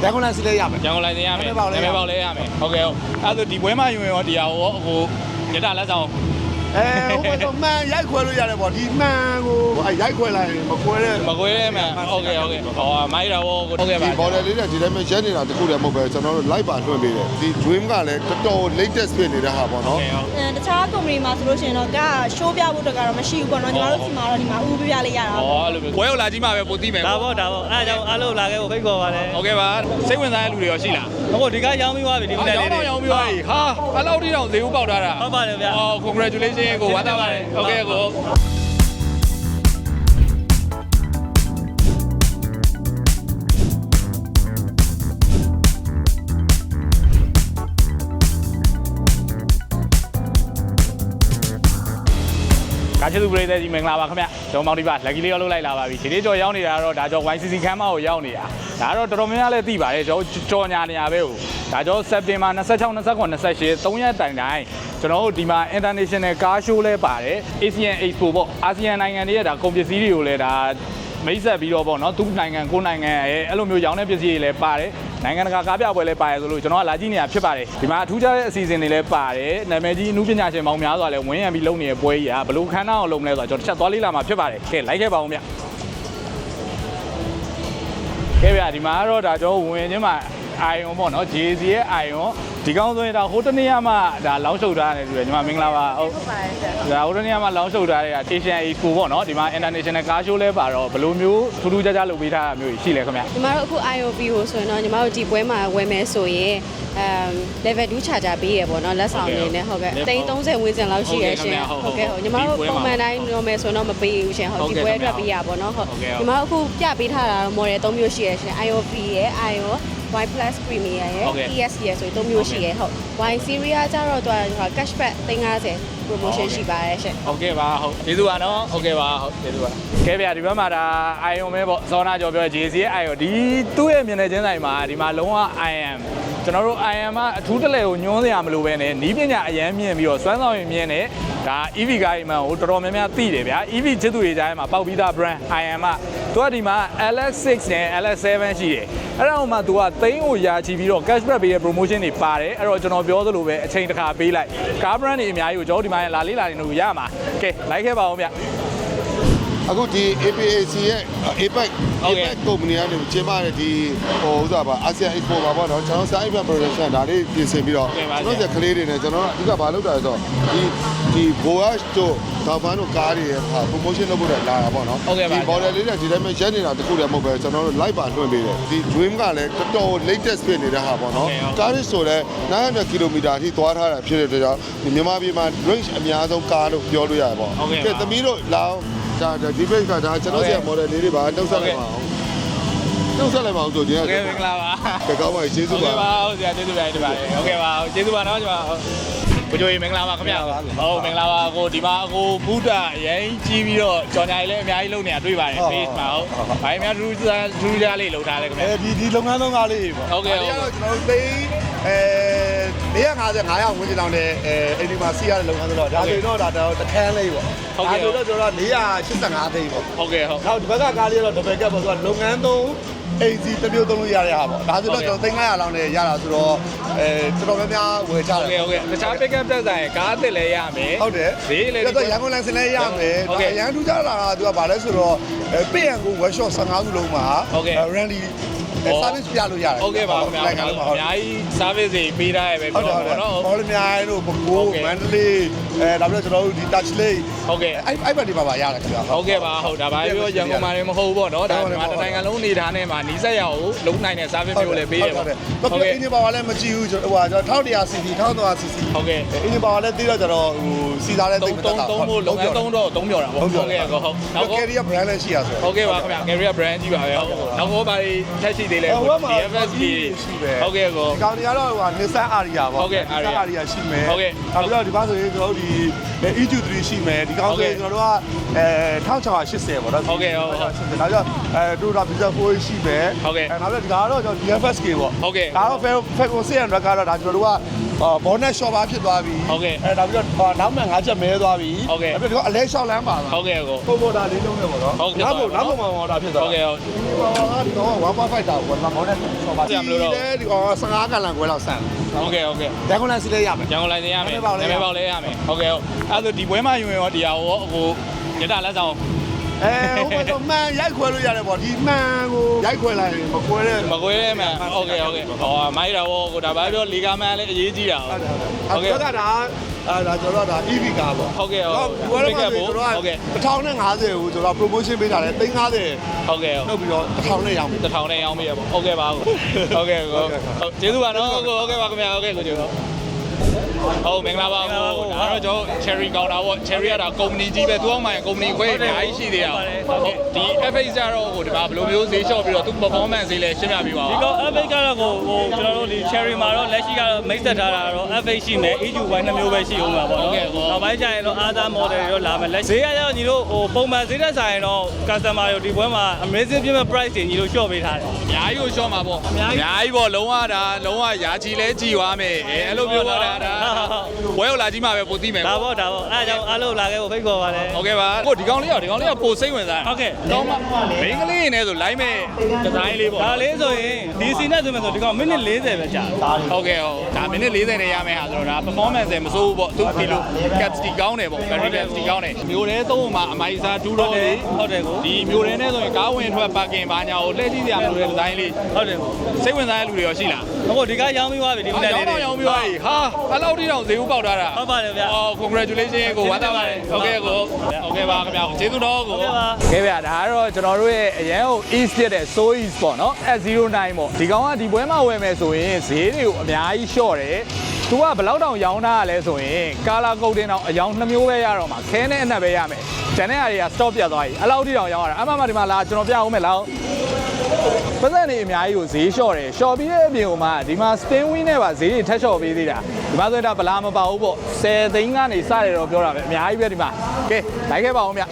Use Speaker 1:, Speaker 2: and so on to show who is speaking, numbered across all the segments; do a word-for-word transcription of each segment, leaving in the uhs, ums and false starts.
Speaker 1: ရန်ကုန်လိုင်းစလဲရမယ်
Speaker 2: ရန်ကုန်လိုင်းစင်ရမယ်နာမည်ပေါက်လဲရမယ်ဟုတ်ကဲ့ဟုတ်အဲ့ဒါဒီပွဲမှာယူရင်ရောဒီဟာရောဟိုရတာလက်ဆောင်
Speaker 1: အဲဟိုတော့မှန်ရိုက်ခွဲလို့ရတယ်ပေါ့ဒီမှန်ကိုအဲရိုက်ခွဲလိုက်ရင်မခွဲတဲ့
Speaker 2: မခွဲရဲမှန်ဟုတ်ကဲ့ဟုတ်ကဲ့ဟောမိုက်တာရောဟုတ်ကဲ့ပါ
Speaker 1: ဒီ border လေးနဲ့ဒီတိုင်းမှာရက်နေတာတခုတည်းမဟုတ်ပဲကျွန်တော်တို့ live ပါလွှင့်ပေးတယ်ဒီ dream ကလည်းတော်တော် latest ဖြစ်နေတဲ့ဟာပေါ့နော်
Speaker 3: တခြား company မှာဆိုလို့ရှိရင်တော့က show ပြဖို့အတွက်ကတော့မရှိဘူးပေါ့နော်ညီမတို့စီမှာတော့ဒီမှာဥပပြလေးရတာ
Speaker 2: ဟောအဲ့လိုပွဲကိုလာကြည့်မှာပဲပိုသိမယ်
Speaker 4: ဒါပေါ့ဒါပေါ့အဲ့ဒါကြောင့်အားလုံးလာခဲ့ဖို့ဖိတ်ခေါ်ပါတယ်
Speaker 2: ဟုတ်ကဲ့ပါစိတ်ဝင်စားတဲ့လူတွေရောရှိလား
Speaker 4: ဟုတ်ဒီကရောင်းပြီးသွားပြီဒီမနေ့လေးတွေ
Speaker 2: ရောင်းပြီးသွားပြီဟာအဲ့လောက်ထိတောင်ဈေးဥပေါက်ထားတာ
Speaker 4: ဟုတ်ပါတယ်ဗျာ
Speaker 2: ဟော congratulation ကိုဝမ်းသာပါတယ်ဟုတ်ကဲ့ကိုကာချစ်သူပရိသတ်ကြီးမင်္ဂလာပါခင်ဗျကျွန်တော်မောင်ဒီပါလက်ကြီးလေးရောက်လုပ်လိုက်လာပါပြီဒီနေ့ကြော်ရောက်နေတာတော့ဒါကြော် ဝိုင် စီ စီ ခမ်းမကိုရောက်နေတာဒါကတော့တော်တော်များများလည်းသိပါတယ်ကျွန်တော်ကြော်ညာနေရပဲကိုဒါကြော်စက်တင်ဘာနှစ်၆ နှစ်၇ နှစ်၈ သုံးရက်တိုင်တိုင်ကျွန်တော်တို့ဒီမှာ international car show လဲပါတယ် Asian Expo ပေါ့အာဆီယံနိုင်ငံတွေရဲ့ဒါကုန်ပစ္စည်းတွေကိုလည်းဒါမိတ်ဆက်ပြီးတော့ပေါ့နော်သူ့နိုင်ငံကိုနိုင်ငံရဲ့အဲ့လိုမျိုးရောင်းတဲ့ပစ္စည်းတွေလည်းပါတယ်နိုင်ငံတကာကားပြပွဲလည်းပါတယ်ဆိုလို့ကျွန်တော်ကလာကြည့်နေတာဖြစ်ပါတယ်ဒီမှာအထူးခြားတဲ့အစီအစဉ်တွေလည်းပါတယ်နာမည်ကြီးအမှုပညာရှင်ပေါင်းများစွာလည်းဝင်းရံပြီးလုပ်နေတဲ့ပွဲကြီးကဘလို့ခန်းနာအောင်လုပ်မလဲဆိုတော့ကျွန်တော်တစ်ချက်သွားလေးလာမှာဖြစ်ပါတယ်ကဲလိုက်ခဲ့ပါဦးဗျကဲဗျဒီမှာကတော့ဒါကျွန်တော်ဝင်ချင်းမှာအာယုံပေါ့နော် ဂျေ စီ ရဲ့အာယုံဒီကောင်းဆိုရင်ဒါဟိုတနေ့မှဒါလောင်းရှုပ်ထားတယ်ဆိုရယ်ညီမမင်္ဂလာပါဟုတ်
Speaker 3: ဟုတ်ပါတယ်ဆရာ
Speaker 2: ဒါဟိုတနေ့မှလောင်းရှုပ်ထားတဲ့ Asian Expo ပေါ့နော်ဒီမှာ International Car Show လဲပါတော့ဘယ်လိုမျိုးထူးထူးခြားခြားလုပ်ပေးထားတာမျိုးရှိလဲခင်ဗျ
Speaker 3: ညီမတို့အခု I O B ကိုဆိုရင်တော့ညီမတို့ဒီပွဲမှာဝယ်မယ်ဆိုရင်အမ် level two charger ပေးရပေါ့နော်လက်ဆောင်နေနဲ့ဟုတ်ကဲ့တိန်းသုံးဆယ်ဝန်းကျင်လောက်ရှိရရှင်ဟုတ်ကဲ့ဟုတ်ညီမတို့ပုံမှန်တိုင်းလုပ်မယ်ဆိုတော့မပေးဘူးရှင်ဟုတ်ဒီပွဲအတွက်ပေးရပေါ့နော်ဟုတ်ညီမတို့အခုပြပေးထားတာတော့ model သုံးမျိုးရှိရရှင် I O B ရဲ့ I O Y Plus Premier ရဲ့ E S ရဲ့ဆိုရင်သုံးမျိုးရှိရဟုတ် Y Series ကကြတော့သူက cashback သိန်း၅ဆယ် promotion ရှိပါတယ်ရှင်
Speaker 2: ဟုတ်ကဲ့ပါဟုတ်ကျေးဇူးပါနော်ဟုတ်ကဲ့ပါဟုတ်ကျေးဇူးပါကဲဗျာဒီဘက်မှာဒါ I O M ပဲပေါ့စောနာကျော်ပြော ဂျေ စီ ရဲ့ I O ဒီသူ့ရဲ့မျက်နှာချင်းဆိုင်မှာဒီမှာလုံးဝ I am ကျွန်တော်တို့ I am ကအထူးတလဲကိုညွှန်းစရာမလိုပဲနဲ့နီးပညာအရန်မြင့်ပြီးတော့စွမ်းဆောင်ရည်မြင့်နဲ့ဒါ E V ကားကြီးမှဟိုတော်တော်များများသိတယ်ဗျာ E V ချစ်သူတွေကြားထဲမှာပေါက်ပြီးသား brand I am ကသူကဒီမှာ L S six နဲ့ L S seven ရှိတယ်အဲ့ဒါမှသူကသိန်းကိုရာချီပြီးတော့ cashback ပေးတဲ့ promotion တွေပါတယ်အဲ့တော့ကျွန်တော်ပြောသလိုပဲအချိန်တစ်ခါပေးလိုက်ကား brand တွေအများကြီးကိုကျွန်တော်ဒီမှာလာလေးလာနေလို့ရမှာကဲလိုက်ခဲ့ပါဦးဗျ
Speaker 1: အခုဒီ A P A C ရဲ့ A P E C A P E C ကုမ္ပဏီကနေကျင်းပတဲ့ဒီဟိုဥစားပါ ASEAN Expo ပါပေါ့နော်ကျွန်တော် Side Event Production ဒါလေးပြင်ဆင်ပြီးတော့ကျွန်တော်ကလေးတွေနဲ့ကျွန်တော်အဓိကဘာလုပ်တာလဲဆိုတော့ဒီဒီ Voyage တို့တောင်ပန်းတို့ကားတွေရဲ့ promotion လုပ်ဖို့လာတာပေါ့နော်ဒီ border လေးနဲ့ဒီတိုင်းမှာရက်နေတာတခုတည်းမဟုတ်ပဲကျွန်တော်တို့ live ပါလွှင့်ပေးတယ်ဒီ dream ကလည်းတော်တော် latest ဖြစ်နေတဲ့ဟာပေါ့နော်ကားတွေဆိုလည်းနင်းhundredကီလိုမီတာအထိသွားထားတာဖြစ်တဲ့အတွက်ကြောင့်မြန်မာပြည်မှာ range အများဆုံးကားလို့ပြောလို့ရတယ်ပေါ့ကဲသမီးတို့လောင်းဒါဒီဘက်ကဒါကျွန်တော်ဆရာ model လေးတွေပါနှုတ်ဆက်လိုက်ပါအောင်နှုတ်ဆက်လိုက်ပါအောင်ဆိုကြည့်ရအောင်
Speaker 2: ကဲမင်္ဂလာပါ
Speaker 1: ကဲကောင်းပါကျေးဇူးပါ
Speaker 2: ဟုတ်ကဲ့ပါဟုတ်ဆရာကျေးဇူးပါတင်ပါတယ်ဟုတ်ကဲ့ပါကျေးဇူးပါနော်ကျွန်တော်ကိုကြိုးမင်္ဂလာပါခင်ဗျာဟုတ်မင်္ဂလာပါကိုဒီမှာကိုဘုဒ္ဓအရင်ကြီးပြီးတော့ကြော်ညာလေးလည်းအများကြီးလုပ်နေတာတွေ့ပါတယ် face မှာဟုတ်ဘာအများထူးထူးခြားလေးလုပ်ထားလဲခင်ဗျာ
Speaker 1: အဲဒီဒီလုပ်ငန်းလုပ်ငန်းလေးပေါ့
Speaker 2: ဟုတ်ကဲ့ဟုတ်
Speaker 1: ကဲ့ကျွန်တော်တို့သိအဲ၄၅၅ရာဝန်းကျင်တောင်နဲ့အဲအိမ်ဒီမှာစီးရတဲ့လုပ်ငန်းဆိုတော့ဒါဆိုတော့ဒါတော့တခန်းလေးပေါ့
Speaker 2: ဟုတ်ကဲ့
Speaker 1: ဒါဆိုတော့ကျွန်တော်၄၈၅သိန်းပေါ့
Speaker 2: ဟုတ်ကဲ့ဟုတ်
Speaker 1: နောက်ဒီဘက်ကကားလေးတော့ဒဘယ်ကပ်ပေါ့ဆိုတော့လုပ်ငန်းသုံးအိမ်စီတစ်မျိုးသုံးလို့ရတဲ့ဟာပေါ့ဒါဆိုတော့ကျွန်တော်သိန်း၅ရာလောက်နဲ့ရတာဆိုတော့အဲတော်တော်များများဝယ်ကြတယ်
Speaker 2: ဟုတ်ကဲ့ဟုတ်ကဲ့တခြား pick up တက်ဆိုင်ကားအစ်စ်လည်းရမယ်
Speaker 1: ဟုတ်တယ်
Speaker 2: ဈေးလည်း
Speaker 1: တော့ရန်ကုန်လမ်းစလည်းရမယ်ဒါရန်ထူးကြလာတာသူကဘာလဲဆိုတော့ပေရန်ကို workshop ၁၅ခုလုံးမှာ rally service ပြလို့ရတယ်
Speaker 2: ဟုတ်ကဲ့ပါခင်ဗျာအများကြီး service တွေပေးထားရပဲပြောပါတော့
Speaker 1: ဟောလည်းအများကြီးတို့ဘကိုးမန္တလေးအဲဒါပြီးတော့ကျွန်တော်တို့ဒီ touch လေး
Speaker 2: ဟုတ်ကဲ့
Speaker 1: အဲ့အဲ့ဘက်ဒီမှာပါရတယ်ခင်ဗျာ
Speaker 2: ဟုတ်ကဲ့ပါဟုတ်ဒါပါပြောရန်ကုန်မှာလည်းမဟုတ်ဘူးပေါ့နော်ဒါဒီမှာတနိုင်ငံလုံးနေထားနေမှာနီးစက်ရအောင်လုံးနိုင်တဲ့ service မျိုးလည်းပေးရပါ
Speaker 1: ဟုတ်ကဲ့အင်ဂျင်ပါဝါလည်းမကြည့်ဘူးကျွန်တော်ဟိုကျွန်တော်တစ်ရာ cc တစ်ထောင်သုံးရာ cc
Speaker 2: ဟုတ်ကဲ့
Speaker 1: အင်ဂျင်ပါဝါလည်းသိတော့ကျွန်တော်ဟိုစီစားလည်းသိမတတ်တာ
Speaker 2: သုံးဖို့လုံးဝသုံးတော့သုံးပြောတာပေါ့ဟုတ်ကဲ့ဟုတ်
Speaker 1: နောက် carrier brand လည်းရှိရဆို
Speaker 2: ဟုတ်ကဲ့ပါခင်ဗျာ carrier brand ကြီးပါပဲဟုတ်နောက်ဘောပါထက်ရှိသေးလဲ D F S ကြီးဟုတ်ကဲ့ကို
Speaker 1: ဒီကောင်တွေကတော့ဟို Nissan Ariya ပေါ့
Speaker 2: ဟုတ်ကဲ့
Speaker 1: Ariya ရှိမယ်
Speaker 2: ဟုတ်ကဲ့
Speaker 1: နောက်ပြီးတော့ဒီဘက်ဆိုရင်ကျွန်တော်တို့ဒီ E Q three ရှိမယ်ဒီကောင်ဆိုရင်ကျွန်တော်တို့ကအဲ၁၆၈၀ပေါ့နော်
Speaker 2: ဟုတ်ကဲ့ဟုတ်
Speaker 1: နောက်ကျတော့အဲ Toyota Visa four ရှိမယ်
Speaker 2: ဟုတ်ကဲ့
Speaker 1: အဲနောက်ပြီးတော့ဒီကတော့ကျွန်တော် D F S K ပေါ့
Speaker 2: ဟုတ်ကဲ့
Speaker 1: ဒါတော့ Falcon six hundredကတော့ဒါကျွန်တော်တို့ကဘောနက်ရှော့ပါဖြစ်သွားပြီအဲနောက်ပြီးတော့နောက်မှငါးချက်မဲသွားပြီအဲ့ပြီးတော့အလဲလျှောက်လမ်းပါသွား
Speaker 2: ဟုတ်ကဲ့ကို
Speaker 1: ပုံပေါ်တာလေးလုံးနဲ့ပေါ့နော်နောက်ပုံနောက်ပုံမှာပေါ်တာဖြစ်သွား
Speaker 2: ဟုတ်ကဲ့ဟုတ်
Speaker 1: ဒီကောင်ကone point five တာကိုဘောနက်ရှော့ပါဒီကောင်ကဆယ်ငါးကလန်ခွဲလောက်ဆန်
Speaker 2: ဟုတ်ကဲ့ဟုတ်ကဲ့
Speaker 1: ရန်ကုန်လန်စီလေးရမယ်
Speaker 2: ရန်ကုန်လန်စီရမယ်နာမည်ပေါက်လဲရမယ်ဟုတ်ကဲ့ဟုတ်အဲ့ဒါဒီပွဲမှာယူရင်ရောတရားရောဟိုရတလက်ဆောင်
Speaker 1: အဲဟိုတော့မှန်ရိုက်ခွဲလို့ရတယ်ပေါ့ဒီမှန်ကိုရိုက်ခွဲလိုက်ရင်မခွဲတဲ့
Speaker 2: မခွဲတဲ့မှန်ဟုတ်ကဲ့ဟုတ်ကဲ့ဟောမိုက်တာဘောကိုဒါဘာပြောလီဂါမန်လည်းအရေးကြီးတာ
Speaker 1: ဟုတ်ကဲ့ဟုတ်ကဲ့ဒါအဲဒါကျွန်တော်တို့ဒါ E V ကားပေါ့
Speaker 2: ဟုတ်ကဲ့ဟုတ်
Speaker 1: ဘယ်လိုလဲဟုတ်ကဲ့တစ်ထောင်နဲ့ငါးဆယ်ကိုကျွန်တော် promotion ပေးထားတယ်သိန်းငါးဆယ်
Speaker 2: ဟုတ်ကဲ့
Speaker 1: ဟုတ်ပြီးတော့တစ်ထောင်နဲ့ရောင်းပြီ
Speaker 2: တစ်ထောင်နဲ့ရောင်းပြီပေါ့ဟုတ်ကဲ့ပါဟုတ်ကဲ့ဟုတ်ကျေးဇူးပါနော်ဟုတ်ကဲ့ပါခင်ဗျာဟုတ်ကဲ့ကိုကျေးဇူးဟုတ်မင်္ဂလာပါကိုဒါတော့ကျွန်တော် cherry counter ပေါ့ cherry ကဒါကုမ္ပဏီကြီးပဲသူအောင်မှကုမ္ပဏီခွဲအများကြီးရှိသေးတာဟုတ်ဒီ F H ကတော့ဟိုဒီမှာဘယ်လိုမျိုးဈေးလျှော့ပြီးတော့သူ performance ဈေးလည်းရှင်းပြပေးပါဦး
Speaker 4: ဒီကော F H ကတော့ဟိုဟိုကျွန်တော်တို့ဒီ cherry မှာတော့လက်ရှိကတော့ mix သက်ထားတာတော့ F H ရှိမယ် E U Y နှစ်မျိုးပဲရှိအောင်ပါပေါ့နော်နောက်ပိုင်းကျရင်တော့ other model တွေတော့လာမယ်လက်ဈေးကရောက်ညီတို့ဟိုပုံမှန်ဈေးတက်ဆိုင်တော့ customer တွေဒီပွဲမှာ amazing ပြည့်မဲ့ price တွေညီတို့ short ပေးထားတယ်
Speaker 2: အများကြီးကို short မှာပေါ့အများကြီးပေါ့လုံးဝဒါလုံးဝရာချီလဲကြည်သွားမယ်အဲအဲ့လိုမျိုးပေါ့ဒါဝဲရောက်လာကြီးမှာပဲပိုသိမယ်
Speaker 4: ဒါပေါ့ဒါပေါ့အဲ့ဒါကြောင့်အားလုံးလာခဲ့ဖို့ဖိတ်ခေါ်ပါတယ်
Speaker 2: ဟုတ်ကဲ့ပါကိုဒီကောင်လေးရောဒီကောင်လေးကပိုစိတ်ဝင်စား
Speaker 4: ဟုတ်ကဲ့
Speaker 2: တော့မှမင်းကလေးနေဆို live မဲ့ဒီဇိုင်းလေးပေါ့
Speaker 4: ဒါလေးဆိုရင်ဒီစီနဲ့ဆိုမှဆိုဒီကောင်မိနစ်၄၀ပဲကြာ
Speaker 2: ဟုတ်ကဲ့ဟုတ်ဒါမိနစ်၄၀နဲ့ရမယ်ဟာဆိုတော့ဒါ performance မစိုးဘူးပေါ့သူဒီလို capacity ကောင်းတယ်ပေါ့ battery capacity ကောင်းတယ်မျိုးတဲသုံးမှာအမိုက်စားဒူးတော့လေ
Speaker 4: ဟုတ်တယ်ကို
Speaker 2: ဒီမျိုးတဲနဲ့ဆိုရင်ကားဝင်ထွက် parking ဘာညာကိုလှည့်ကြည့်ရမလို့တဲ့ဒီဇိုင်းလေး
Speaker 4: ဟုတ်တယ်ကို
Speaker 2: စိတ်ဝင်စားတဲ့လူတွေရောရှိလား
Speaker 4: ဟုတ်ဒီကားရောင်းပြီးသွားပြီဒီမနေ့လေး
Speaker 2: ရောင်းပြီးသွားပြီဟာအဲ့လောက်ထိတော့ဈေးဥပေါက်ထားတာ
Speaker 4: ဟုတ်ပါတယ်ဗျာ
Speaker 2: အော် congratulation ကိုဝမ်းသာပါတယ်ဟုတ်ကဲ့ကိုဟုတ်ကဲ့ပါခင်ဗျာကျေးဇူးတော်ကိုဟုတ်ကဲ့ပါဒါကတော့ကျွန်တော်တို့ရဲ့အရန်ကို east ဖြစ်တဲ့ so east ပေါ့နော် S zero nine ပေါ့ဒီကောင်ကဒီပွဲမှာဝယ်မယ်ဆိုရင်ဈေးတွေကိုအများကြီးလျှော့တယ်သူကဘယ်လောက်တောင်ရောင်းတာလဲဆိုရင်ကာလာကုတ်တင်တော့အယောင်နှစ်မျိုးပဲရတော့မှာခဲနဲ့အနက်ပဲရမယ်ကျန်တဲ့အားတွေက stop ပြတ်သွားပြီအဲ့လောက်ထိတောင်ရောင်းရတာအမှန်မှဒီမှာလာကျွန်တော်ပြအောင်မယ်လောက်ပတ်စံနေအများကြီးကိုဈေးလျှော့တယ်လျှော့ပြီးတဲ့အပြင်ကမှဒီမှာ spin win နဲ့ပါဈေးတွေထက်လျှော့ပေးသေးတာဒီမှာဆိုရင်ဒါဗလာမပါဘူးပေါ့ဆယ်သိန်းကနေစတယ်တော့ပြောတာပဲအများကြီးပဲဒီမှာကဲလိုက်ခဲ့ပါဦးဗျ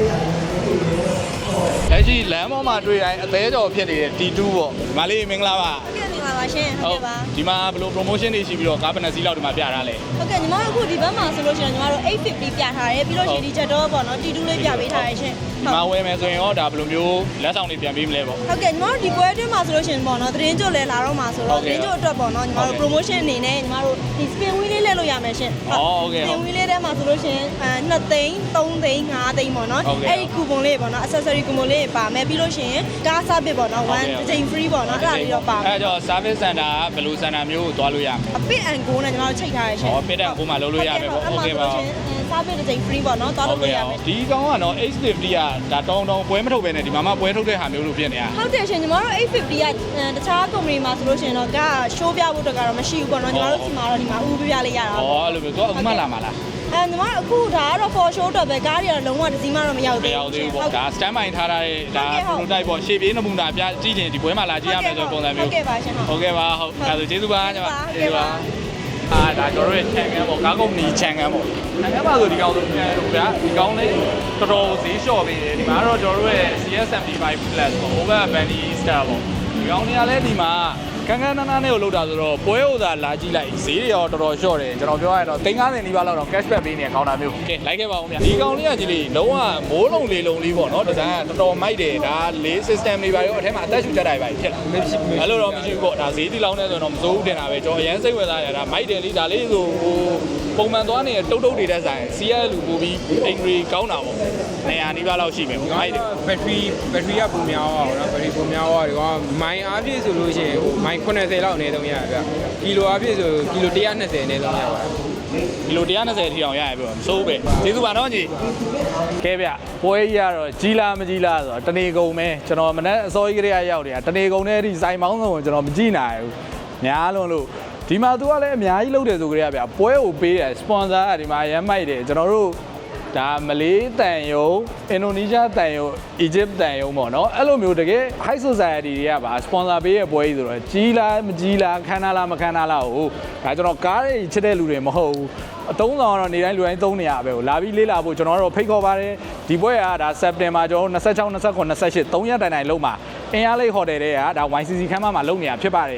Speaker 2: လက်ရှိလမ်းပေါ်မှာတွေ့တိုင်းအသေးကြော်ဖြစ်နေတဲ့ T two ပေါ့ဒီမှာလေးမင်္ဂလာပါ
Speaker 5: ဟုတ်ကဲ့မင်္ဂလာပါရှင်ဟုတ်ကဲ့ပါ
Speaker 2: ဒီမှာဘယ်လို promotion တွေရှိပြီးတော့ကားဘယ်နှစီးလောက်ဒီမှာပြထားလဲ
Speaker 5: ဟုတ်ကဲ့ညီမတို့အခုဒီဘက်မှာဆိုလို့ရှိရင်ညီမတို့eight fiftyပြထားတယ်ပြီးလို့ရှိရင်ဒီချက်တော့ပေါ့နော် T two လေးပြပေးထားရရှင်
Speaker 2: ဒီမှာဝယ်မယ်ဆိုရင်ရောဒါဘယ်လိုမျိုးလက်ဆောင်တွေပြန်ပေးမလဲပေါ့
Speaker 5: ဟုတ်ကဲ့ညီမတို့ဒီပွဲအတွင်းမှာဆိုလို့ရှိရင်ပေါ့နော်သတင်းကြိုလဲလာတော့မှာဆိုတော့သတင်းကြိုအတွက်ပေါ့နော်ညီမတို့ promotion အနေနဲ့ညီမတို့ဒီ spin wheel လေးလဲလို့ရမယ်ရှင်
Speaker 2: ဟုတ်ကဲ့
Speaker 5: spin wheel လေးထဲမှာဆိုလို့ရှိရင်အဲtwoသိန်းthreeသိန်းfiveသိန်းပေါ့နော်အဲ့ဒီ coupon လေးပေါ့နော် accessory coupon လေးပါမယ်ပြီးလို့ရှိရင်ကား service ပေါ့နော်one တစ်ချိန် free ပေါ့နော်အဲ့ဒါလေးတော့ပါမယ်
Speaker 2: အဲ့တော့ service center ကဘယ်လို center မျိုးကိုသွားလို့ရမလဲ
Speaker 5: အ pit and go နဲ့ညီမတို့ချိန်ထားရရှင်
Speaker 2: ဟော pit and go မှာလုပ်လို့ရမယ်ပေါ့ဟုတ်ကဲ့ပါ
Speaker 5: service တစ်ချိန် free ပေါ့နော်သွားလို့ရမယ်
Speaker 2: ဒီကောင်ကတော့ eight fifty ကဒါတောင်းတောင်းပွဲမထုတ်ပဲနဲ့ဒီမှာမှပွဲထုတ်တဲ့ဟာမျိုးလို့ဖြစ်နေတာ
Speaker 5: ဟုတ်တယ်ရှင်ညီမတို့eight fiftyကတခြား company မှာဆိုလို့ရှိရင်တော့က show ပြဖို့အတွက်ကတော့မရှိဘူးပေါ့နော်ညီမတို့ဒီမှာတော့ဒီမှာဥပပြလေးရတာ
Speaker 2: ဟောအဲ့လိုမျိုးသူကအခုမှလာမှာလား
Speaker 5: အဲညီမတို့အခုဒါကတော့ for show တော့ပဲကားတွေကတော့လုံးဝတစ်စီးမှတော့မရောက်
Speaker 2: သေးဘူးမရောက်သေးဘူးပေါ့ဒါ stand by ထားတဲ့ဒါ prototype ပေါ့ရှေ့ပြေးနမူနာပြကြည့်ရင်ဒီပွဲမှာလာကြည့်ရမယ်ဆိုပုံစံမျိုး
Speaker 5: ဟုတ်ကဲ့ပါရှင်
Speaker 2: ဟုတ်ကဲ့ပါဟုတ်အဲဒါဆိုကျေးဇူးပါညီမကျေးဇူးပါအာဒါကျွန်တော်တို့ရဲ့ channel ပေါ့ကားကုမ္ပဏီ channel ပေါ့ channel ပါဆိုဒီကောင်ဆိုပြန်လို့ဗျာဒီကောင်လေးတော်တော်ဈေးလျှော့ပေးတယ်ဒီမှာတော့ကျွန်တော်တို့ရဲ့ C S seventy-five plus ပေါ့ over bandy star ပေါ့ဒီကောင်တွေကလည်းဒီမှာကန်းကန်းနားနားနဲ့ကိုလောက်တာဆိုတော့ပွဲဥစားလာကြည့်လိုက်ဈေးတွေရောတော်တော်လျှော့တယ်ကျွန်တော်ပြောရရင်တော့သိန်း၅၀နီးပါးလောက်တော့ cash back ပေးနေတဲ့ကောင်တာမျိုးကဲလိုက်ခဲ့ပါဦးဗျာဒီကောင်လေးကကြီးလေးလုံးဝမိုးလုံးလေးလုံးလေးပေါ့နော်ဒီဇိုင်းကတော်တော်မိုက်တယ်ဒါလေး system တွေပါရောအထက်မှာအသက်ရှူချက်တာတွေပါဖြစ်လာအဲ့လိုတော့မရှိဘူးပေါ့ဒါဈေးတိလောင်းနေဆိုတော့မစိုးဘူးတင်တာပဲကျွန်တော်အရင်စိတ်ဝင်စားရတာမိုက်တယ်လေးဒါလေးဆိုဟိုပုံမှန်သွားနေတဲ့တုတ်တုတ်တွေတဲ့ဆိုင် C S လူပို့ပြီးအင်္ဂရီကောင်းတာပေါ့နေရာနီးပါးလောက်ရှိမယ်ပေါ့မိုက်တယ်
Speaker 6: battery battery ကပုံများအောင်နော် battery ပုံများအောင်ဒီကောင်မိုင်အားဖြည့်ဆိုလို့ရှိရင်ဟိုမိုင်eightyလောက်အနေဆုံးရဗျကီလိုအားဖြည့်ဆိုကီလိုone twentyအနေဆုံးရပါတယ်
Speaker 2: ကီလိုone twentyထိအောင်ရရပြောမစိုးပဲကျေးဇူးပါနော်ညီကဲဗျပွဲကြီးကတော့ကြီးလားမကြီးလားဆိုတော့တနေကုန်ပဲကျွန်တော်မနေ့အစောကြီးကလေးရောက်နေတာတနေကုန်နဲ့ဒီစိုင်မောင်းဆုံးကိုကျွန်တော်မကြည့်နိုင်ဘူးများလွန်းလို့ဒီမှာသူကလည်းအများကြီးလုပ်တယ်ဆိုကြရဗျပွဲကိုပေးတယ်စပွန်ဆာကဒီမှာရမ်းမိုက်တယ်ကျွန်တော်တို့ဒါမလေးတန်ယုံအင်ဒိုနီးရှားတန်ယုံအီဂျစ်တန်ယုံပေါ့နော်အဲ့လိုမျိုးတကယ် high society တွေကပါစပွန်ဆာပေးရဲ့ပွဲကြီးဆိုတော့ကြီးလားမကြီးလားခန်းနာလားမခန်းနာလားဟိုဒါကျွန်တော်ကားတွေချစ်တဲ့လူတွေမဟုတ်ဘူးအသုံးဆောင်ကတော့နေတိုင်းလူတိုင်းသုံးနေရပဲကိုလာပြီးလေးလာဖို့ကျွန်တော်တို့ဖိတ်ခေါ်ပါတယ်ဒီပွဲကဒါစက်တင်ဘာကျွန်တော်twenty-six twenty-seven twenty-eightသုံးရက်တိုင်တိုင်လုံးမှာအင်အားလေးဟိုတယ်တွေကဒါ Y C C ခန်းမမှာလုပ်နေတာဖြစ်ပါတယ်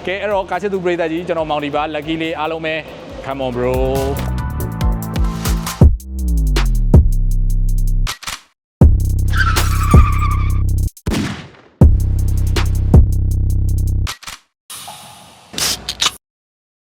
Speaker 2: ကဲအဲ့တော့ကာချစ်သူပရိသတ်ကြီးကျွန်တော်မောင်ဒီပါ lucky လေးအားလုံးပဲ come on bro